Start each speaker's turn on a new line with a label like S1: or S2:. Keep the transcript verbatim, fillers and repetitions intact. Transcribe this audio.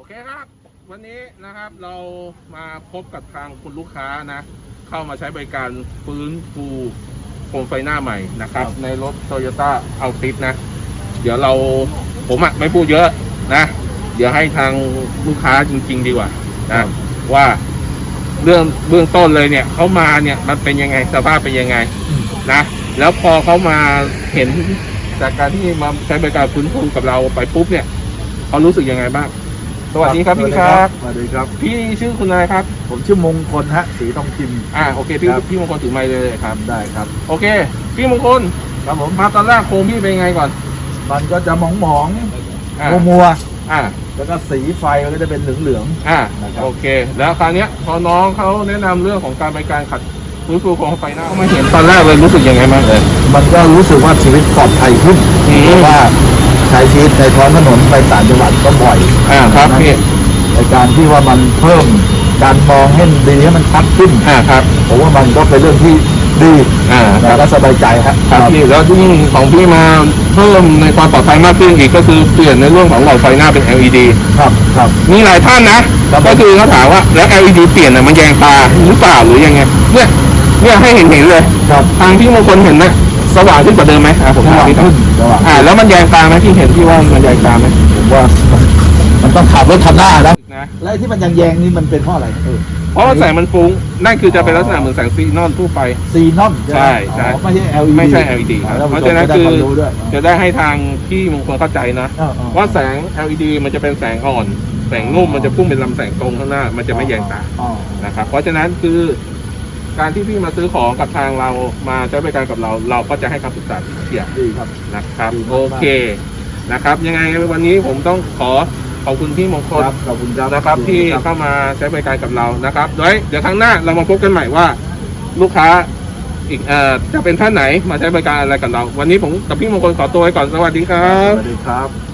S1: เคครับวันนี้นะครับเรามาพบกับทางคุณลูกค้านะเข้ามาใช้บริการฟื้นฟูโคมไฟหน้าใหม่นะครับในรถ Toyota Altis นะเดี๋ยวเราผมอ่ะไม่พูดเยอะนะเดี๋ยวให้ทางลูกค้าจริงๆดีกว่านะว่าเรื่องเบื้องต้นเลยเนี่ยเขามาเนี่ยมันเป็นยังไงสภาพเป็นยังไงนะแล้วพอเขามาเห็นจากการที่มาใช้บริการฟื้นฟูกับเราไปปุ๊บเนี่ยเขารู้สึกยังไงบ้างสวัสดีครับพี่ครับ
S2: สวัสดีครับ
S1: พี่ชื่อคุณอะไรครับ
S2: ผมชื่อมงคลฮะศรีทองพิมพ์
S1: อ่าโอเคพี่พี่มงคลถือไมค์เลยครับ
S2: ได้ครับ
S1: โอเคพี่มงคล
S2: ครับผม
S1: มาตอนแรกโคมพี่เป็นไงก่อน
S2: มันก็จะหมองหมองมัวมัวอ่าแล้วก็สีไฟมันก็จะเป็นเหลืองเหลือง
S1: อ่าโอเคแล้วคราวนี้พอน้องเขาแนะนำเรื่องของการบริการขัดฟื้นฟูโคมไฟหน้าเขามาเห็นตอนแรกเลยรู้สึกยังไงบ้างเลย
S2: มันก็รู้สึกว่าชีวิตปลอดภัยขึ้นเพราะว่าใช้ชีวิตในท้องถนนไปต่างจังหวัดก็บ่อย
S1: อ่าครับพี่
S2: ในการที่ว่ามันเพิ่มการมองให้ดีให้มันชัดขึ้น
S1: อ่าครับ
S2: ผมว่ามันก็เป็นเรื่องที่ดี
S1: อ่า
S2: แล้วก็สบายใจครับ
S1: ครับพี่แล้วที่ของพี่มาเพิ่มในความปลอดภัยมากขึ้นอีกก็คือเปลี่ยนในเรื่องของหลอดไฟหน้าเป็น แอล อี ดี
S2: ครับครับ
S1: มีหลายท่านนะก็คือเขาถามว่าแล้ว แอล อี ดี เปลี่ยนน่ะมันแยงตาหรือเปล่าหรือยังไงเนี่ยเนี่ยให้เห็นเห็นเลย
S2: ครับ
S1: ทางพี่มงคลเห็นไหมสว่างขึ้นกว่าเดิมไหมอ่าผมถามพี่ก่อนอ่าแล้วมันแยงตาไหมที่เห็นที่ว่ามันแยงตาไหม
S2: ผมว่ามันต้องขับรถคันหน้านะแล้วที่มันยังแยงนี่มันเป็นเพราะอะไร
S1: เพราะว่าแสงมันฟุ้งนั่นคือจะเป็นลักษณะเหมือนแสงซีนอนทั่วไป
S2: ซีนอน
S1: ใช่ใช่
S2: ไม่ใช่ แอล อี ดี
S1: ไม่ใช่ แอล อี ดี ครับเพราะฉะนั้นคือจะได้ให้ทางพี่มงคลเข้าใจนะว่าแสง แอล อี ดี มันจะเป็นแสงอ่อนแสงนุ่มมันจะพุ่งเป็นลำแสงตรงข้างหน้ามันจะไม่แยงตานะครับเพราะฉะนั้นคือการที่พี่มาซื้อของกับทางเรามาใช้บริการกับเราเราก็จะให้คำปรึกษาเกี่ยวนะครับโอเคนะครับยังไงวันนี้ผมต้องขอขอบคุณพี่มงคล
S2: ขอบคุณ
S1: นะครับที่เข้ามาใช้บริการกับเรานะครับโดยเดี๋ยวครั้งหน้าเรามาพบกันใหม่ว่าลูกค้าอีกเอ่อจะเป็นท่านไหนมาใช้บริการอะไรกับเราวันนี้ผมกับพี่มงคลขอตัวไปก่อนสวัสดีครับ
S2: สวัสดีครับ